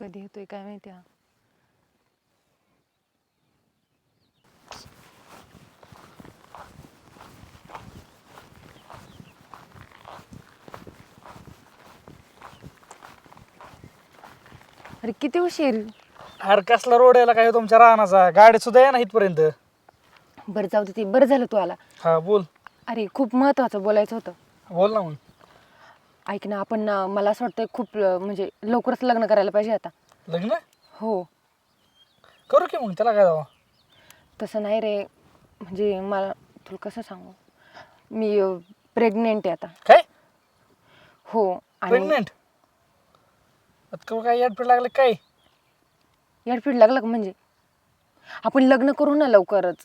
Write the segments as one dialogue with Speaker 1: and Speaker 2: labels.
Speaker 1: कधी येतोय काय माहिती हा. अरे किती उशीर.
Speaker 2: अरे कसला रोड यायला काय तुमच्या रानाचा गाडी सुद्धा या ना इथपर्यंत.
Speaker 1: बरं जाऊ दे, ते बरं झालं तू आला.
Speaker 2: हा बोल.
Speaker 1: अरे खूप महत्वाचं बोलायचं होतं.
Speaker 2: बोल ना मग.
Speaker 1: ऐक ना, आपण मला असं वाटतं खूप म्हणजे लवकरच लग्न करायला पाहिजे आता.
Speaker 2: लग्न
Speaker 1: हो.
Speaker 2: करू की मग, त्याला काय जावं.
Speaker 1: तसं नाही रे, म्हणजे मला तुला कसं सांगू, मी प्रेग्नेंट आहे आता.
Speaker 2: काय
Speaker 1: हो. आणि
Speaker 2: प्रेग्नेंट? काय याडपीड लागलं काय?
Speaker 1: येडफीड लागलं का? म्हणजे आपण लग्न करू ना लवकरच.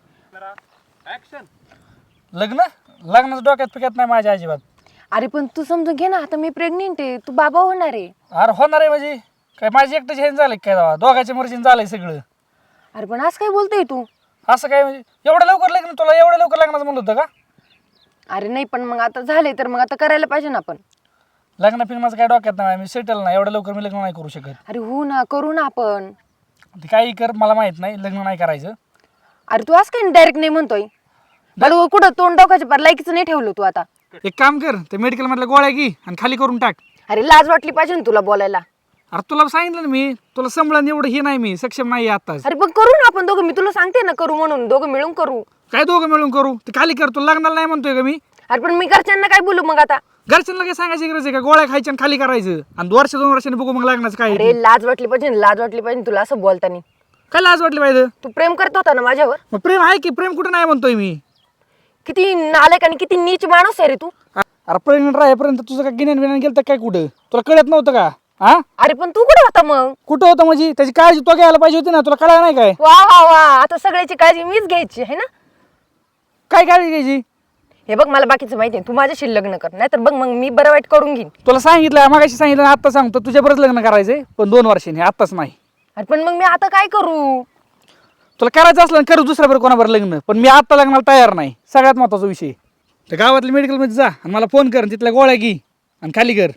Speaker 2: लग्न लग्नाचं डोक्यात पिकत नाही माझ्या अजिबात.
Speaker 1: अरे पण तू समजून घे ना, आता मी प्रेग्नेंट आहे, तू बाबा होणार आहे.
Speaker 2: अरे होणार आहे म्हणजे काय माझी एकट्याची हे झालं काय जावा, दोघांच्या मर्जीने झालंय सगळं.
Speaker 1: अरे पण असं काय बोलतोय तू?
Speaker 2: असं काय म्हणजे एवढं लवकर लग्न, तुला एवढं लवकर लग्नाचं म्हणलं होतं का?
Speaker 1: अरे नाही, पण मग आता झाले तर मग आता करायला पाहिजे ना आपण.
Speaker 2: लग्न फिल्म माझं काय डोक्यात नाही, मी सेटल नाही, एवढं लवकर मी लग्न नाही करू शकत.
Speaker 1: अरे हो ना, करू ना आपण.
Speaker 2: ते काही कर, मला माहित नाही, लग्न नाही करायचं.
Speaker 1: अरे तू असं काय डायरेक्ट नाही म्हणतोय? बरं कुठं तोंड डोकायच्या पर लायकीचं नाही ठेवलं तू आता.
Speaker 2: एक काम कर, ते मेडिकल मधल्या गोळ्या घे आणि खाली करून टाक.
Speaker 1: अरे लाज वाटली पाहिजे ना तुला बोलायला.
Speaker 2: अरे तुला सांगितलं ना मी, तुला संभळण एवढं हे नाही, मी सक्षम नाही आताच.
Speaker 1: अरे पण करू ना आपण दोघं, मी तुला सांगते ना करू म्हणून, दोघं मिळून करू.
Speaker 2: काय दोघं मिळून करू? ते खाली कर, तुला लग्नाला नाही म्हणतोय का मी.
Speaker 1: अरे पण मी घरच्यांना काय बोलू मग आता?
Speaker 2: घरच्यांना काय सांगायची गरज आहे का? गोळ्या खायच्या आणि खाली करायचं आणि वर्ष 2 वर्षांनी बघू मग लग्नाचं काय.
Speaker 1: अरे लाज वाटली पाहिजे, लाज वाटली पाहिजे तुला असं बोलतानी.
Speaker 2: काय लाज वाटली पाहिजे?
Speaker 1: तू प्रेम करत होता ना माझ्यावर.
Speaker 2: मग प्रेम आहे की, प्रेम कुठं नाही म्हणतोय मी.
Speaker 1: किती नालायक आणि किती नीच माणूस आहे रे तू.
Speaker 2: अरे प्रेग्नेंट राहेपर्यंत तुझं काय गिन्यान बिन्यान गेलं तर काय कुठं? तुला कळत नव्हतं का? हा
Speaker 1: अरे पण तू कुठे होता मग?
Speaker 2: कुठं होतं म्हणजे? त्याची काळजी तो घ्यायला पाहिजे होती ना, तुला कळलं नाही काय?
Speaker 1: वा वा वा, आता सगळ्याची काळजी मीच घ्यायची आहे ना.
Speaker 2: काय काळजी घ्यायची?
Speaker 1: हे बघ मला बाकीचं माहिती आहे, तू माझ्याशी लग्न कर, नाहीतर बघ मग मी बरं वाईट करून घेईन.
Speaker 2: तुला सांगितलं, मागाशी सांगितलं, आता सांगतो तुझ्या बरंच लग्न करायचंय, पण 2 वर्षांनी, आताच नाही.
Speaker 1: अरे पण मग मी आता काय करू?
Speaker 2: तुला करायचं असलं करू दुसऱ्या बरं कोणाबरोबर लग्न, पण मी आता लग्नाला तयार नाही. सगळ्यात महत्वाचा विषय, त्या गावातल्या मेडिकलमध्ये जा आणि मला फोन कर, तिथल्या गोळ्या घे आणि खाली कर.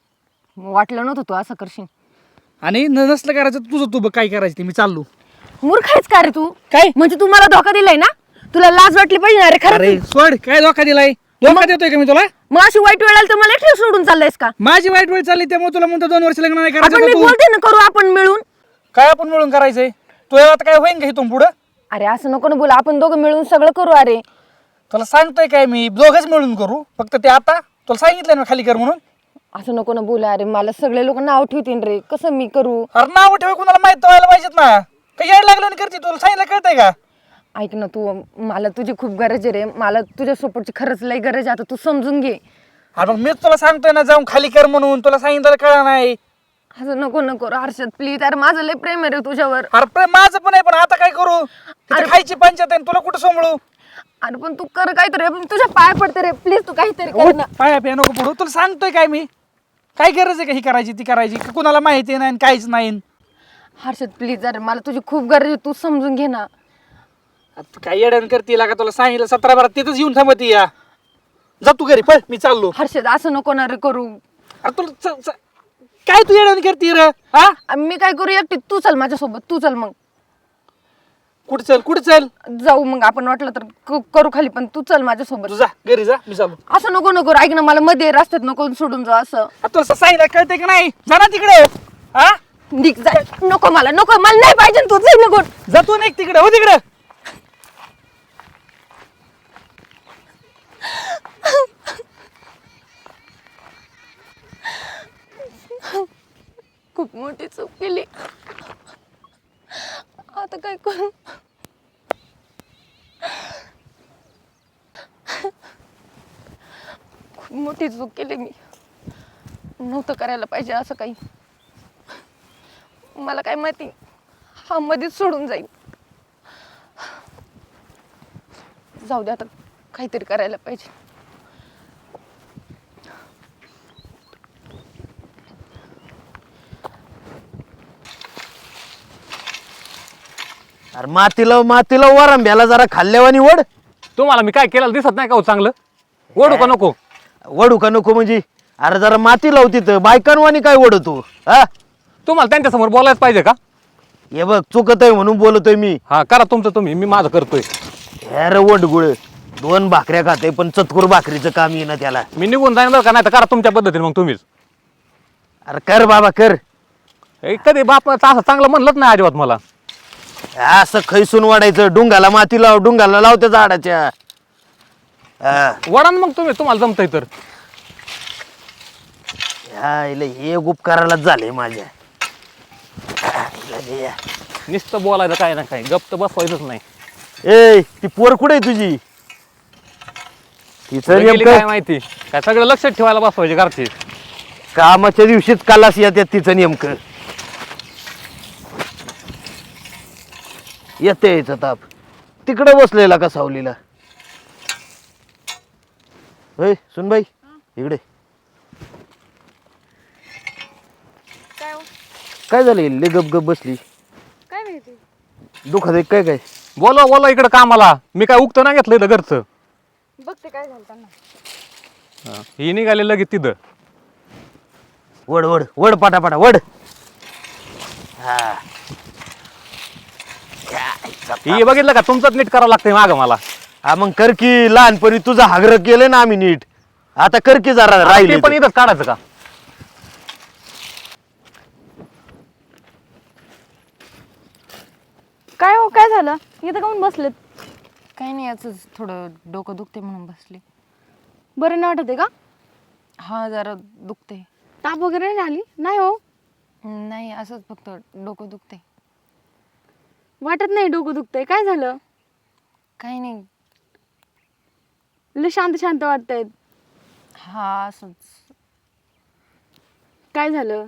Speaker 1: वाटलं नव्हतं तू असं करशील.
Speaker 2: आणि नसलं करायचं तुझं, तू बघ काय करायचं ते, मी चाललो.
Speaker 1: मूर्ख आहेस का रे तू?
Speaker 2: काय
Speaker 1: म्हणजे तू मला धोका दिलाय ना? तुला लाज वाटली पाहिजे ना. अरे
Speaker 2: अरे
Speaker 1: खरं
Speaker 2: सोड, काय धोका दिलाय? धोका देतोय का मी तुला?
Speaker 1: मग अशी वाईट वेळ आली तर मला एकटं सोडून चाललायस का?
Speaker 2: माझी वाईट वेळ चालली त्यामुळे तुला म्हणतो 2 वर्ष लग्न नाही
Speaker 1: आपण मी
Speaker 2: करायचं. तू
Speaker 1: बोलते ना करू आपण मिळून.
Speaker 2: काय आपण मिळून करायचंय? तू आता काय होईन का इथून पुढं?
Speaker 1: अरे असं नको ना बोला, आपण दोघं मिळून सगळं करू. अरे
Speaker 2: तुला सांगतोय काय मी, दोघंच मिळून करू. फक्त ते आता तुला सांगितलं ना खाली कर म्हणून.
Speaker 1: असं नको ना बोला. अरे मला सगळे लोक नाव ठेवतील रे, कसं मी करू?
Speaker 2: अरे नाव ठेवा, कुणाला माहित व्हायला पाहिजेत ना. काही यायला लागलं आणि करते, तुला सांगितलं कळतंय का?
Speaker 1: ऐक ना तू, मला तुझी खूप गरज आहे रे, मला तुझ्या सपोर्टची खरंच लई गरज आहे. आता तू समजून घे.
Speaker 2: अरे मग मीच तुला सांगतोय ना जाऊन खाली कर म्हणून, तुला सांगितलं कळलं नाही.
Speaker 1: असं नको नको हर्षद प्लीज. अरे माझं लई प्रेम आहे रे तुझ्यावर.
Speaker 2: अरे प्रेम माझं पण आहे, पण आता काय करू? तिथे खायची पंचायत आहे, तुला कुठं सांभाळू?
Speaker 1: अरे पण तू कर काहीतरी, पण तुझ्या पाय पडते रे प्लीज, तू काहीतरी कर ना.
Speaker 2: पाया पिया नको पडू, तुला सांगतोय काय मी. काय गरज आहे का ही करायची ती करायची? कुणाला माहिती नाही काहीच नाही.
Speaker 1: हर्षद प्लीज, अरे मला तुझी खूप गरज आहे, तू समजून घे ना.
Speaker 2: तू काय येडण करते का? तुला सांगितलं 17-12 तिथंच येऊन थांबती या. जा तू घरी, पळ, मी चाललो.
Speaker 1: हर्षद असं नको ना रे करू.
Speaker 2: अरे तुला काय तू येडण करते रे? हा
Speaker 1: मी काय करू एकटी? तू चल माझ्यासोबत, तू चल मग.
Speaker 2: कुठं चल, कुठं चल?
Speaker 1: जाऊ मग आपण, वाटलं तर करू खाली, पण तू चल माझ्यासोबत.
Speaker 2: तू जा घरी, जा, मी चाललो.
Speaker 1: असं नको नको, ऐक ना, मला मध्ये रस्त्यात नको सोडून जा. असं
Speaker 2: तुला सांगितलं कळतंय का नाही? जा ना तिकडे. हा
Speaker 1: निघ जा. नको मला, नको मला नाही पाहिजे तू, जाई नको.
Speaker 2: जातो ना तिकडे, हो तिकडे.
Speaker 1: खूप मोठी चूक केली, आता काय करू? खूप मोठी चूक केली मी, नव्हतं करायला पाहिजे असं काही. मला काय माहिती हा मध्येच सोडून जाईल. जाऊ दे, आता काहीतरी करायला पाहिजे.
Speaker 3: अरे मातीला वरंब्याला जरा खाल्ल्यावानी वड.
Speaker 4: तुम्हाला मी काय केलं दिसत नाही का हो चांगलं? ओढू का नको?
Speaker 3: वडू का नको म्हणजे? अरे जरा माती लावती तर बायकांवानी काय वडतो? हा
Speaker 4: तुम्हाला त्यांच्यासमोर बोलायच पाहिजे का?
Speaker 3: हे बघ चुकत आहे म्हणून बोलतोय मी.
Speaker 4: हा करा तुमचं तुम्ही, मी माझं करतोय.
Speaker 3: अरे वडगुळ 2 भाकऱ्या खाते पण चतकुर भाकरीचं काम येईना त्याला.
Speaker 4: मी निघून जाईन बरं का, नाही तर करा तुमच्या पद्धतीने मग तुम्हीच.
Speaker 3: अरे कर बाबा कर.
Speaker 4: कधी बापाचं असं चांगलं म्हणलंच नाही अजिबात मला.
Speaker 3: असं खैसून वाढायचं. डुंगाला माती लाव, डुंगाला लाव त्या झाडाच्या. हा.
Speaker 4: वडा ना मग तुम्ही, तुम्हाला जमतंय तर.
Speaker 3: हा, इले हे उपकारालाच झाले माझ्या. इले या.
Speaker 4: नुसतं बोलायचं काय ना काय, गप्प तर बसवायचंच नाही.
Speaker 3: ए ती पोर कुठे आहे तुझी? तिचं
Speaker 4: कुठे गेली काय
Speaker 3: नेमकं
Speaker 4: माहिती, काय सगळं लक्षात ठेवायला बसवायचे घरचे.
Speaker 3: कामाच्या दिवशीच कालास येतात तिचं नेमकं. येते यायचं ताप. तिकडे बसलेला का सावलीला? होय सुनबाई इकडे.
Speaker 5: काय हो?
Speaker 3: काय झालं इल्ले गप गप बसली?
Speaker 5: काय माहिती?
Speaker 3: दुखत आहे काय काय?
Speaker 4: बोला बोला इकडं कामाला, मी काय उगतं ना घेतलं इथं घरचं.
Speaker 5: बघते काय झालं त्यांना.
Speaker 4: ही निघाले लगेच तिथं.
Speaker 3: वड वड वड पाटापाटा वड. हा.
Speaker 4: ही बघितलं का, तुमचंच नीट करावं लागतंय मागं मला.
Speaker 3: हा मग कर की. लहानपणी तुझं हागर केलं ना आम्ही नीट. आता कर की जरा
Speaker 4: ते
Speaker 3: राहिले
Speaker 4: पण इथंच काढायचं का?
Speaker 5: काय हो काय झालं? इथं काऊन बसलेत?
Speaker 1: काही नाही, याच थोडं डोकं दुखते म्हणून बसले.
Speaker 5: बरं नाही वाटत आहे का?
Speaker 1: हा जरा दुखते.
Speaker 5: ताप वगैरे नाही आली? नाही हो,
Speaker 1: नाही असंच फक्त डोकं दुखते.
Speaker 5: वाटत नाही डोकं दुखतंय. काय झालं?
Speaker 1: काही नाही.
Speaker 5: लय शांत शांत वाटतंय.
Speaker 1: हा असंच.
Speaker 5: काय झालं?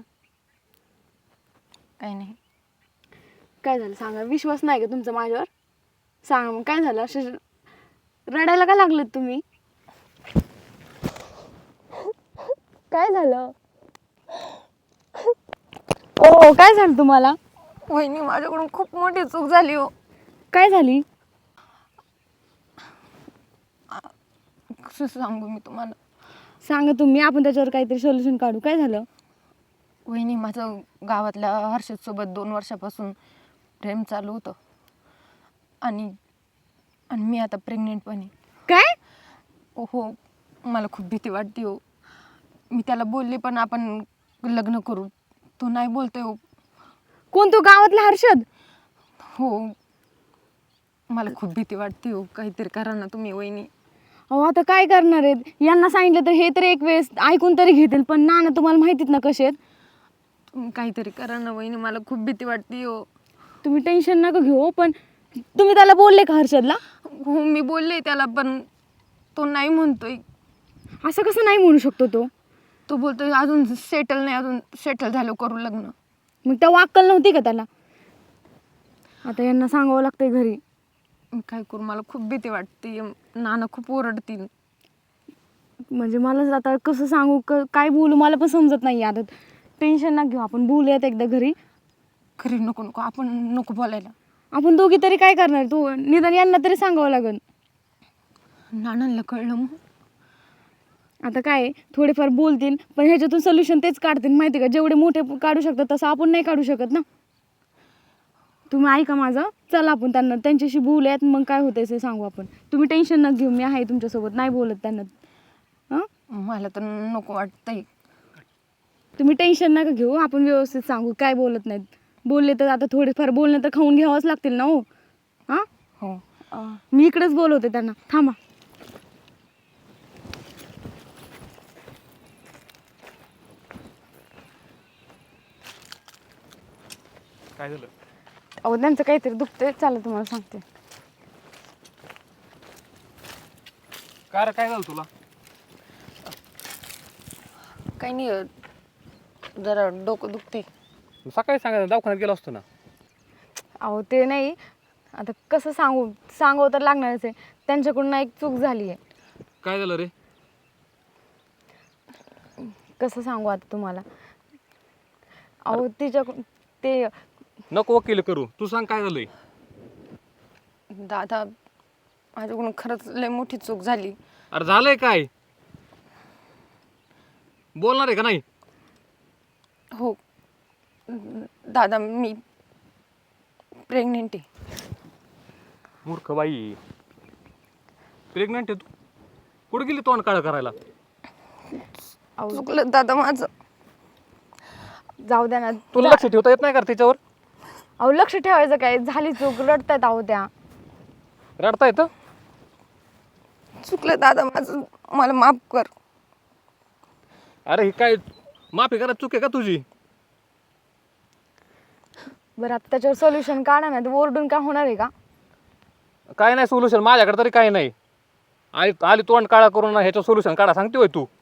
Speaker 1: काही नाही.
Speaker 5: काय झालं सांगा. विश्वास नाही का तुमचा माझ्यावर? सांगा मग काय झालं? असे रडायला का लागलेत तुम्ही? काय झालं? ओ काय झालं तुम्हाला?
Speaker 1: वहिनी माझ्याकडून खूप मोठी चूक झाली हो.
Speaker 5: काय झाली?
Speaker 1: कसं सांगू मी तुम्हाला.
Speaker 5: सांगा तुम्ही, आपण त्याच्यावर काहीतरी सोल्युशन काढू. काय झालं?
Speaker 1: वहिनी माझं गावातल्या हर्षदसोबत 2 वर्षापासून प्रेम चालू होतं. आणि आणि मी आता प्रेग्नेंट पण आहे.
Speaker 5: काय?
Speaker 1: हो, मला खूप भीती वाटते हो. मी त्याला बोलले पण आपण लग्न करू. तो नाही बोलतोय हो.
Speaker 5: कोण तो गावातला हर्षद?
Speaker 1: हो, मला खूप भीती वाटते हो. काहीतरी करा ना तुम्ही वहिनी.
Speaker 5: अहो आता काय करणार आहेत? यांना सांगितलं तर हे तर एक वेळेस ऐकून तरी घेतील, पण ना तुम्हाला माहितीत ना कसे आहेत.
Speaker 1: तुम्ही काहीतरी करा ना वहिनी, मला खूप भीती वाटते हो.
Speaker 5: तुम्ही टेन्शन नका घेऊ. पण तुम्ही त्याला बोलले का हर्षदला?
Speaker 1: हो मी बोलले त्याला, पण तो नाही म्हणतोय.
Speaker 5: असं कसं नाही म्हणू शकतो तो?
Speaker 1: तो बोलतोय अजून सेटल नाही, अजून सेटल झालं करू लग्न.
Speaker 5: मग त्या अक्कल नव्हती का त्याला? आता यांना सांगावं लागतंय घरी.
Speaker 1: मी काय करू, मला खूप भीती वाटते. नाना खूप ओरडतील.
Speaker 5: म्हणजे मला आता कसं सांगू, काय बोलू मला पण समजत नाही. आता टेन्शन ना घेऊ, आपण बोलूयात एकदा घरी.
Speaker 1: खरी नको नको, आपण नको बोलायला.
Speaker 5: आपण दोघी तरी काय करणार? तू निदान यांना तरी सांगावं लागेल.
Speaker 1: नानांना कळलं मग.
Speaker 5: आता काय थोडेफार बोलतील, पण ह्याच्यातून सोल्युशन तेच काढतील माहिती का. जेवढे मोठे काढू शकतात तसं आपण नाही काढू शकत ना. तुम्ही ऐका माझं. चला आपण त्यांच्याशी बोलूयात, मग काय होतंय ते सांगू आपण. तुम्ही टेन्शन नका घेऊ, मी आहे तुमच्यासोबत. नाही बोलत त्यांना. हां
Speaker 1: मला तर नको वाटतंय.
Speaker 5: तुम्ही टेन्शन नका घेऊ, आपण व्यवस्थित सांगू. काय बोलत नाहीत. बोलले तर आता थोडेफार बोलणं तर खाऊन घ्यावंच लागतील ना. हो हां
Speaker 1: हो.
Speaker 5: मी इकडेच बोलवते त्यांना. थांबा.
Speaker 4: काय झालं?
Speaker 5: अहो त्यांचं काहीतरी दुखतंय. चला तुम्हाला सांगते.
Speaker 4: काय रे, काय झालं तुला?
Speaker 1: काही नाही, जरा डोकं दुखते.
Speaker 4: सकाळी सांगायचं, दवाखान्यात गेलो असतो ना.
Speaker 5: अहो ते नाही, आता कसं सांगावं तर लागणारच आहे. त्यांच्याकडून एक चूक झाली आहे.
Speaker 4: काय झालं रे?
Speaker 5: कसं सांगू आता तुम्हाला. अहो तिच्याकडून ते
Speaker 4: नको वकील करू, तू सांग काय झालंय.
Speaker 1: दादा माझ्याकडून खरंच लय मोठी चूक झाली.
Speaker 4: अरे झालंय काय? बोलणार आहे का नाही?
Speaker 1: हो, दादा मी प्रेग्नेंट आहे.
Speaker 4: मूर्ख बाई, प्रेग्नंट आहे तू? कुठे गेली तोंड काळं करायला?
Speaker 1: चुकलं दादा माझं.
Speaker 5: जाऊ द्या ना.
Speaker 4: तुला लक्ष ठेवता येत नाही का तिच्यावर?
Speaker 5: अहो लक्ष ठेवायचं काय, झाली चूक, रडतायत अहो त्या.
Speaker 4: रडता येतं?
Speaker 1: चुकलं दादा माझं, मला माफ कर.
Speaker 4: अरे ही काय माफी करा, चूक आहे का तुझी?
Speaker 5: बरं आता त्याच्यावर सोल्युशन काढा ना, ओरडून काय होणार आहे का?
Speaker 4: काय नाही सोल्युशन माझ्याकडे तरी काही नाही. आली तोंड काळा करून ह्याचं सोल्युशन काढा सांगते होय तू?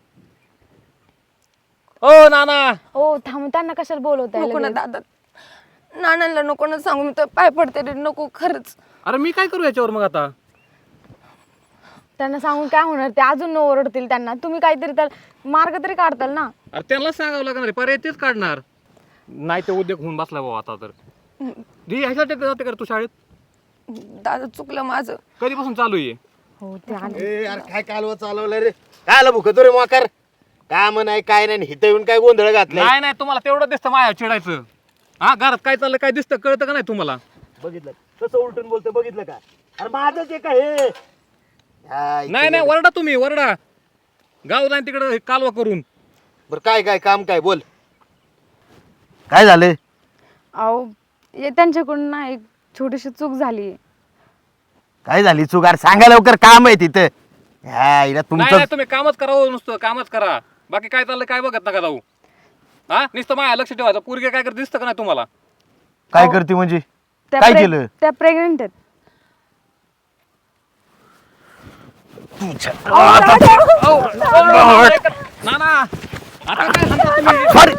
Speaker 4: ओ नाना,
Speaker 5: हो थांब, त्यांना कशाला बोलवताय
Speaker 1: नको ना
Speaker 5: लगेच?
Speaker 1: दादा, नानांना नको ना सांगू, मी तर पाय पडते रे, नको खरंच.
Speaker 4: अरे मी काय करू याच्यावर मग आता?
Speaker 5: त्यांना सांगून काय होणार, ते अजून ओरडतील त्यांना. तुम्ही काहीतरी त्याला मार्ग तरी काढताल ना.
Speaker 4: अरे त्यांना सांगावं लागणार आहे, पर्याय तेच काढणार. नाही ते उद्योग होऊन बसला भाऊ आता तर. ह्याच्यासाठी जाते का तू शाळेत?
Speaker 1: दादा चुकलं माझं.
Speaker 4: कधीपासून चालू आहे?
Speaker 5: हो ते आले.
Speaker 3: ए यार काय कालवा चालवलं रे? काय आलं भुकतो रे मोकार? काम नाही काय नाही, हिथं येऊन काय गोंधळ घातलाय?
Speaker 4: नाही नाही, तुम्हाला तेवढं दिसतं माया चिडायचं. हा, घरात काय चाललं काय दिसतं कळतं का नाही तुम्हाला?
Speaker 3: बघितलं कसं उलटून बोलतो, बघितलं का? अरे माझंच आहे का हे?
Speaker 4: नाही नाही, वरडा तुम्ही, वरडा. गाव जाईन तिकडे कालवा करून.
Speaker 3: बर काय काय काम काय बोल, काय झालं?
Speaker 5: अहो हे त्यांच्याकडून ना एक छोटीशी चूक झाली.
Speaker 3: काय झाली चूक? अरे सांगा लवकर, काम आहे तिथं. ह्या इला
Speaker 4: नाही
Speaker 3: तुमचं
Speaker 4: नाही, तुम्ही कामच करा हो, नुसतं कामच करा. बाकी काय चाललं काय बघत नका जाऊ. हा, नुसतं माया लक्ष ठेवायचं. पोरगे काय करत दिसतं का नाही तुम्हाला?
Speaker 3: काय करते म्हणजे?
Speaker 5: त्या
Speaker 3: काय केलं?
Speaker 5: त्या प्रेग्नेंट आहेत.
Speaker 4: नाना, आता काय सांगता तुम्ही?
Speaker 3: सॉरी,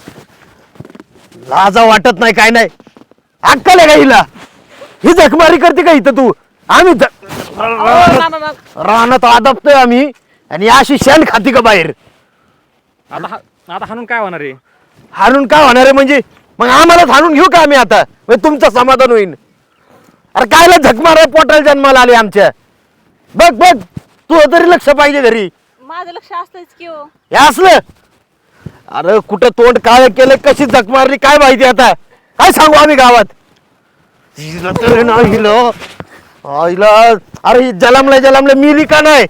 Speaker 3: लाजा वाटत नाही काय नाही? अक्कल आहे का हिला? ही जखमारी करते का इथं तू? आम्ही
Speaker 4: नाना,
Speaker 3: रानात आदबतोय आम्ही आणि अशी शेण खाती का बाहेर?
Speaker 4: आता हाणून काय होणार आहे?
Speaker 3: हाणून काय होणार आहे म्हणजे? मग आम्हालाच हाणून घेऊ का आम्ही आता? म्हणजे तुमचं समाधान होईल? अरे कायला झक मारा, पोटाला जन्माला आले आमच्या. बघ बघ, तू तरी लक्ष पाहिजे घरी.
Speaker 6: माझं लक्ष असतंच की हो.
Speaker 3: हे असलं? अरे कुठं तोंड काळ केलं, कशी झक मारली काय माहिती आता? काय सांगू आम्ही गावात? हिला तर ना हिला हिला, अरे जलमलं मिली का नाही?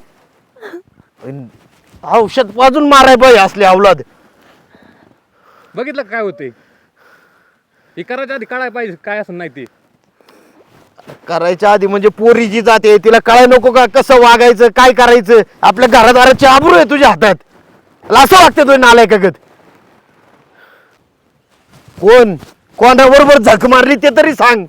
Speaker 3: औषध पाजून माराय पाहिजे असले अवलाद.
Speaker 4: बघितलं का काय होते? हे करायच्या आधी काढायला पाहिजे काय असं नाही ते.
Speaker 3: करायच्या आधी म्हणजे पोरी जी जाते तिला कळाय नको का कसं वागायचं, काय करायचं? आपल्या घरादाराची आबरू आहे तुझ्या हातात. असं वागते तुझ्या नालायकागत. कोणाबरोबर झक मारली ते तरी सांग.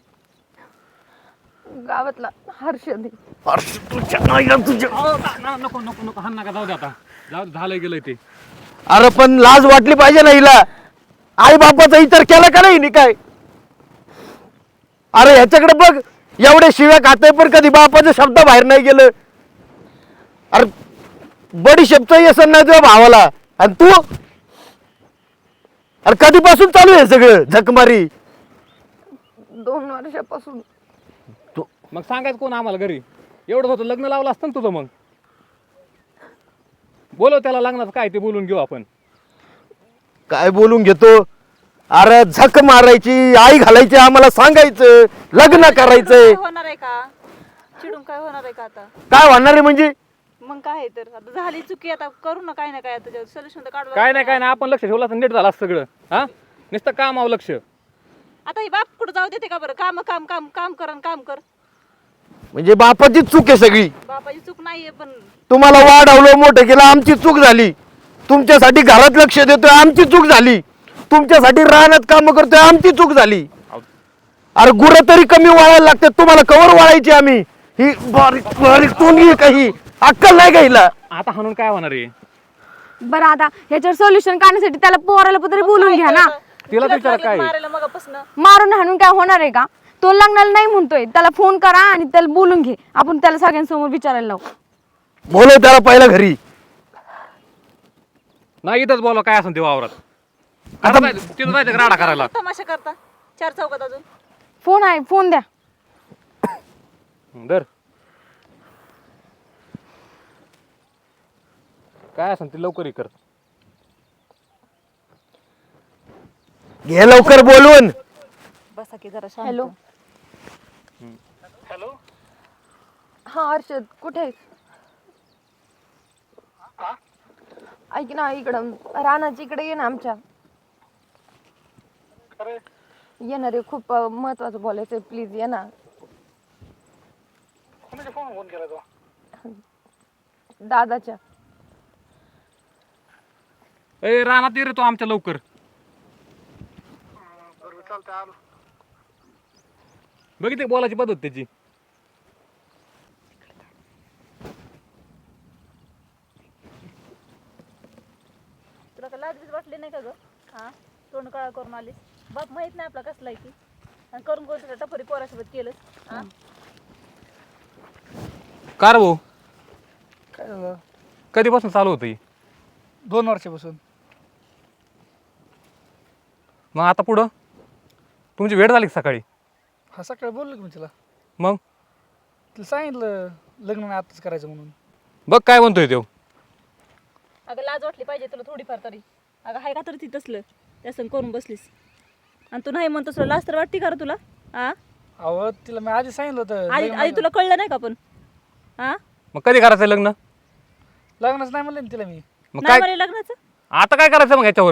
Speaker 1: गावातला हर्षद आहे.
Speaker 3: अरे तुझ्या नाईला तुझ्या.
Speaker 4: नको नको नको, हाण नका, जाऊ दे आता. जाऊ दे, झालंय गेलंय ते.
Speaker 3: अरे पण लाज वाटली पाहिजे ना हिला. आई बापाचा इतर केला का नाही काय? अरे ह्याच्याकडे बघ, एवढे शिव्या खाते पण कधी बापाचा शब्द बाहेर नाही गेलं. अरे बडी शब्द येसन नाही तुझ्या भावाला. आणि तू अरे कधीपासून चालू आहे सगळं झकमारी?
Speaker 1: 2 वर्षापासून.
Speaker 4: मग सांगायचं कोण आम्हाला घरी? एवढं होतं लग्न लावलं असतं ना तुझं. मग बोलव त्याला, लग्नाचं काय ते बोलून घेऊ आपण.
Speaker 3: काय बोलून घेतो? अरे झक मारायची, आई घालायची, आम्हाला सांगायचं लग्न करायचंय.
Speaker 6: काय होणार आहे का? चिडून काय होणार आहे का आता?
Speaker 3: काय होणार आहे म्हणजे?
Speaker 6: मग काय आहे तर आता झाली चुकी, आता करू ना काय ना काय, आता सोल्युशन तर काढू.
Speaker 4: काय नाही आपण लक्ष ठेवलं तर नीट झालं असतं सगळं. हा, नुसतं कामावं लक्ष.
Speaker 6: आता ही बाप कुठं जाऊ देते का बरं? काम काम काम काम कर आणि काम कर.
Speaker 3: म्हणजे बापाची चूक आहे सगळी.
Speaker 6: बापाची चूक नाहीये, पण
Speaker 3: तुम्हाला वाढवलं, मोठं केलं, आमची चूक झाली. तुमच्यासाठी घरात लक्ष देतोय, आमची चूक झाली. तुमच्यासाठी रानात काम करतोय, आमची चूक झाली. अरे गुरं तरी कमी वाळायला लागते, तुम्हाला कवर वाळायची आम्ही? ही बारीक बारीक तोंडी काही अक्कल नाही का हिला?
Speaker 4: आता हाणून काय होणार आहे?
Speaker 5: बरं आता ह्याच्यावर सोल्युशन काढण्यासाठी त्याला पोराला तरी बोलून घ्या ना.
Speaker 4: तिला विचार काय?
Speaker 6: मारायला मगापासून
Speaker 5: मारून हाणून काय होणार आहे का? तो लग्नाला नाही म्हणतोय, त्याला फोन करा आणि त्याला बोलून घे. आपण त्याला सगळ्यांसमोर विचारायला लावू.
Speaker 3: बोलव त्याला पहिला घरी.
Speaker 4: नाही इथंच बोला काय असं ते वावरात. तिथं जायचं राडा करायला.
Speaker 6: तमाशा करता 4 चौकात अजून.
Speaker 5: फोन आहे, फोन द्या.
Speaker 4: दर काय असं ते लवकर कर.
Speaker 3: घे लवकर बोलवून.
Speaker 6: बसा की जरा शांत.
Speaker 1: हॅलो हा हर्षद कुठे आहेस? ऐक ना इकडं रानाची इकडे ये ना आमच्या. येणार रे खूप महत्वाचं बोलायचंय प्लीज ये ना. दादाच्या.
Speaker 4: ए रानात ये रे तू आमच्या लवकर. बघितली बोलायची पद्धत त्याची.
Speaker 6: तुला काय लाज बीज वाटली नाही का ग? हा तोंड काळा करून आलीस. बाप माहित नाही आपला कसला आहे ती. आणि करून तुझ्या टपरी पोरासोबत केलंस. हा
Speaker 4: का रे भाऊ
Speaker 2: काय झालं?
Speaker 4: कधीपासून चालू होतं ही?
Speaker 2: 2 वर्षापासून.
Speaker 4: मग आता पुढं तुमची वेळ झाली का सकाळी?
Speaker 2: हा सकाळी बोललो की मी तिला.
Speaker 4: मग
Speaker 2: तिला सांगितलं लग्न नाही आताच करायचं म्हणून.
Speaker 4: बघ काय म्हणतोय तो.
Speaker 6: अगं लाज वाटली पाहिजे तुला थोडीफार तरी. अगं हाय का तरी ती तसलं त्या संग करून बसलीस. आणि तू नाही म्हणतोस लाज तर वाटते का रे तुला? हा
Speaker 2: अहो तिला मी आधी सांगितलं होतं
Speaker 6: आधी
Speaker 2: लग्न
Speaker 6: आधी तुला कळलं नाही का पण? हा
Speaker 4: मग कधी करायचं लग्न?
Speaker 2: लग्नच नाही म्हणलं ना तिला मी.
Speaker 4: मग
Speaker 6: नाही
Speaker 4: काय
Speaker 6: म्हणे लग्नाचं.
Speaker 4: आता काय करायचं मग याच्यावर?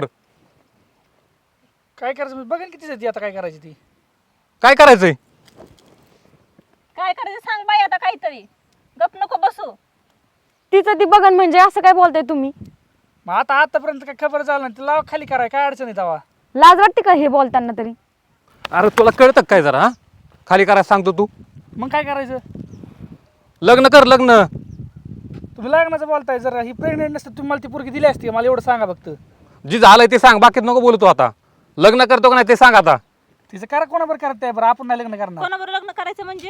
Speaker 2: काय करायचं मी बघेन किती ती आता काय करायची ती.
Speaker 4: काय करायचंय?
Speaker 6: काय करायचं सांग बाई आता काहीतरी. गप नको बसू.
Speaker 5: तिचं ती बघन म्हणजे असं काय बोलताय तुम्ही?
Speaker 2: मग आतापर्यंत काय खबर झालं नाही तिला खाली कराय काय अडचण आहे तेव्हा.
Speaker 5: लाज वाटते का हे बोलताना तरी?
Speaker 4: अरे तुला कळतं काय जरा? हा खाली करायचं सांगतो तू.
Speaker 2: मग काय करायचं?
Speaker 4: लग्न कर लग्न.
Speaker 2: तुम्ही लग्नाचं बोलताय जरा ही प्रेग्नेंट नसतं तुम्ही मला ती पोरगी दिली असती मला एवढं सांगा फक्त.
Speaker 4: जी झालंय ते सांग, बाकीत नको बोलतो. आता लग्न करतो का नाही ते सांग आता.
Speaker 2: तिचं करा कोणाबरोबर करत आहे बरं आपण नाही लग्न करणार.
Speaker 6: कोणाबरोबर लग्न करायचं म्हणजे?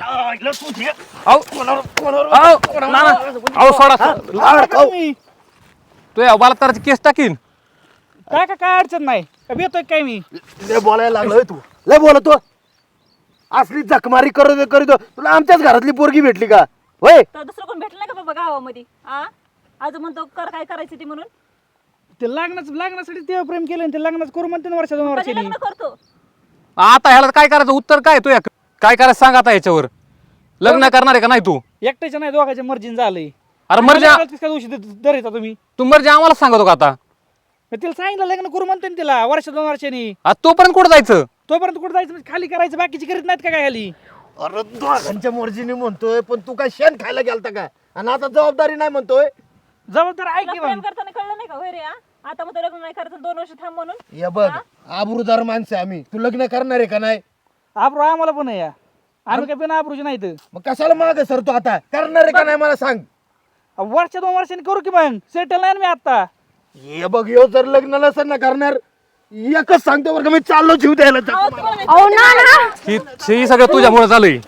Speaker 2: तुम्ही
Speaker 4: तू या बलात्काराची केस टाकीन.
Speaker 2: काय अडचण नाही का येतोय काय मी.
Speaker 3: लय बोलायला लागलोय तू. लय बोलतो. असली जखमारी करीत तुला आमच्याच घरातली पोरगी भेटली का? होय
Speaker 6: तर दुसरं कोण भेटलं नाही का बाबा गावामध्ये? हा आज म्हणतो कर काय करायचं ती म्हणून.
Speaker 2: ते लग्नासाठी ते प्रेम केलं आणि ते लग्नाचं करू म्हणते ना 2
Speaker 6: कधी
Speaker 2: वर्षांनी.
Speaker 6: लग्न करतो?
Speaker 4: आता ह्याला काय करायचं? उत्तर काय तू काय करायचं सांग आता याच्यावर. लग्न करणार आहे का नाही तू?
Speaker 2: एकट्याच्या नाही दोघांच्या मर्जीन झालंय.
Speaker 4: अरे मर्जी
Speaker 2: दिवशी धरायचा तुम्ही.
Speaker 4: तू मर्जी आम्हाला सांगतो का आता?
Speaker 2: मग तिला सांगितलं लग्न करू म्हणते ना तिला 2 वर्षांनी.
Speaker 4: आता तोपर्यंत कुठं जायचं?
Speaker 2: तोपर्यंत कुठं जायचं म्हणजे खाली करायचं बाकीची करीत नाहीत का काय खाली.
Speaker 3: अरे दोघांच्या मर्जीने म्हणतोय पण तू काय शेण खायला गेलता का? आणि आता जबाबदारी नाही म्हणतोय.
Speaker 2: जबाबदार आहे
Speaker 6: तुला
Speaker 2: की
Speaker 6: प्रेम
Speaker 2: मग.
Speaker 6: करताना कळलं नाही का होय रे? हा? आता मग लग्न नाही करायचं 2 वर्ष थांब म्हणून.
Speaker 3: ये बघ आबरूदार माणसं आहे आम्ही. तू लग्न करणार आहे का नाही?
Speaker 2: आबरू आम्हाला पण आहे या. आम्ही काय बिना आबरूची नाही तर.
Speaker 3: मग कशाला माग सर तू आता करणार आहे का नाही मला सांग.
Speaker 2: 2 वर्षांनी करू की मग सेटल नाही ना मी आता.
Speaker 3: ये बघ यो जर लग्न नसेल ना करणार एकच सांगतो बरं का मी चाललो जीव द्यायला.
Speaker 5: अहो ना ना
Speaker 4: ही सगळं तुझ्यामुळे झालंय.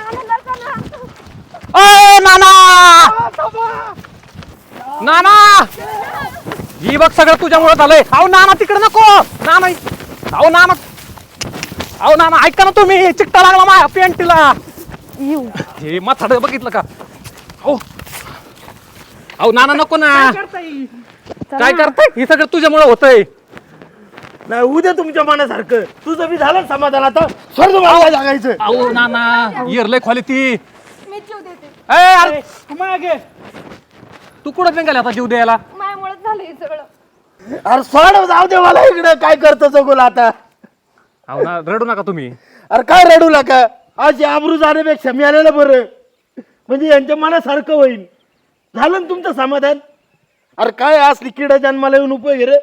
Speaker 4: नाना ही बघ सगळं तुझ्यामुळे झालंय. अहो नाना तिकडे नको. नाना अहो नाना अहो नाना ऐका ना तुम्ही. चिकटा लागला माझ्या पेंटीला. हे माथाड बघितलं का? हो अहो नाना नको ना. काय करताय? हे सगळं तुझ्यामुळे होतंय.
Speaker 3: नाही उद्या तुमच्या मनासारखं तुझं बी झालं समाधान. आता स्वर्ग मला जागायचं.
Speaker 4: अहो नाना इरलंय खाली ती.
Speaker 1: मी जीव देते.
Speaker 4: ए, अरे,
Speaker 2: मागे
Speaker 4: तू कुठं निघाला आता जीव द्यायला?
Speaker 1: माझ्यामुळेच झालं हे सगळं.
Speaker 3: अरे सोड जाऊ दे मला इकडे. काय करतो जगोला आता?
Speaker 4: अहो ना रडू नका तुम्ही.
Speaker 3: अरे काय रडू नका. आज आबरू जाण्यापेक्षा मी आलेलं बरं. म्हणजे यांच्या मनासारखं होईल. झालं ना तुमचं समाधान? अरे काय असली किडा जन्माला येऊन उपयोग रे.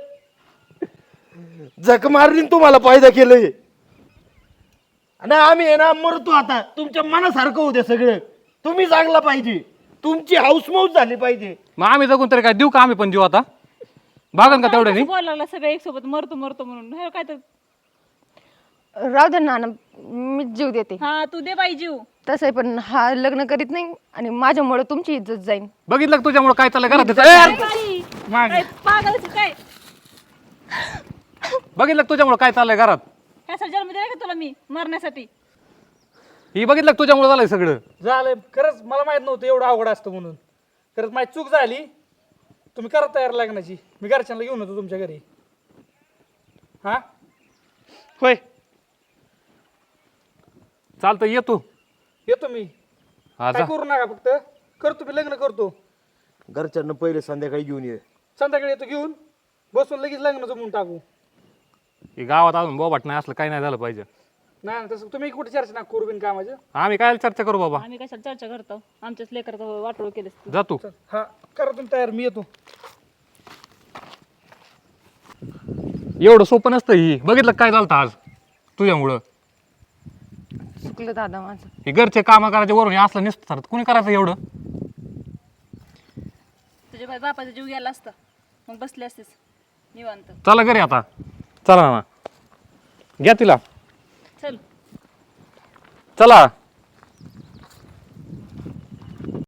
Speaker 3: जख मारली तुम्हाला फायदा केलंय. आणि आम्ही आहे ना मरतो आता. तुमच्या मनासारखं होते सगळं. तुम्ही चांगला पाहिजे. तुमची हाऊसमौज झाली पाहिजे.
Speaker 4: मग आम्ही जगून तरी काय देऊ का आम्ही पण जीव आता? भागन का तेवढ्यानी?
Speaker 6: बोलायला लागला सगळे एक सोबत मरतो मरतो म्हणून. हे काय तर
Speaker 1: राहू दे नाना मी जीव देते.
Speaker 6: हा तू दे बाई जीव.
Speaker 1: तसं आहे पण हा लग्न करीत नाही आणि माझ्यामुळे तुमची इज्जत जाईल.
Speaker 4: बघितलं का तुझ्यामुळे काय चाललंय घरात?
Speaker 6: बाई,
Speaker 2: मागे
Speaker 6: काय पागलच काय?
Speaker 4: बघितलं का तुझ्यामुळे काय चाललंय घरात?
Speaker 6: ह्यासाठी जन्म दिला का तुला मी मरण्यासाठी?
Speaker 4: ही बघितलं का तुझ्यामुळे झालंय सगळं?
Speaker 2: झालंय. खरंच मला माहित नव्हतं एवढं अवघड असतं म्हणून. खरंच माझी चूक झाली. तुम्ही करा तयार लग्नाची. मी घरच्यांना घेऊन होतो तुमच्या घरी. हा होय
Speaker 4: चालतं ये तू.
Speaker 2: येतो मी.
Speaker 4: हा
Speaker 2: काय
Speaker 4: जा.
Speaker 2: करू नका, फक्त करतो मी, लग्न करतो.
Speaker 3: घरच्यांना पहिले संध्याकाळी घेऊन ये.
Speaker 2: संध्याकाळी येतो घेऊन, बसून लगेच लग्न जमून टाकू.
Speaker 4: हे गावात अजून बोबाट नाही असलं काही नाही झालं पाहिजे.
Speaker 2: नाही तसं तुम्ही कुठे चर्चा ना करू बिन कामाचं.
Speaker 4: आम्ही काय चर्चा करू बाबा.
Speaker 6: आम्ही कशाला चर्चा करतो, आमच्याच लेकराचं वाटोळ केलेस तू.
Speaker 4: जा तू.
Speaker 2: हा करा तुम्ही तयार, मी येतो.
Speaker 4: एवढं सोपं नसतं ही. बघितलं काय झालं आज तुझ्यामुळं.
Speaker 1: चुकलं दादा माझं.
Speaker 4: हे घरचे कामं करायचे वरून हे असलं नसतं तर कुणी करायचं एवढं.
Speaker 6: तुझ्या बापाचा जीव गेला असता मग बसले असतेस निवांत.
Speaker 4: चला घरी आता. चला ना घ्या तिला.
Speaker 6: चल.
Speaker 4: चला.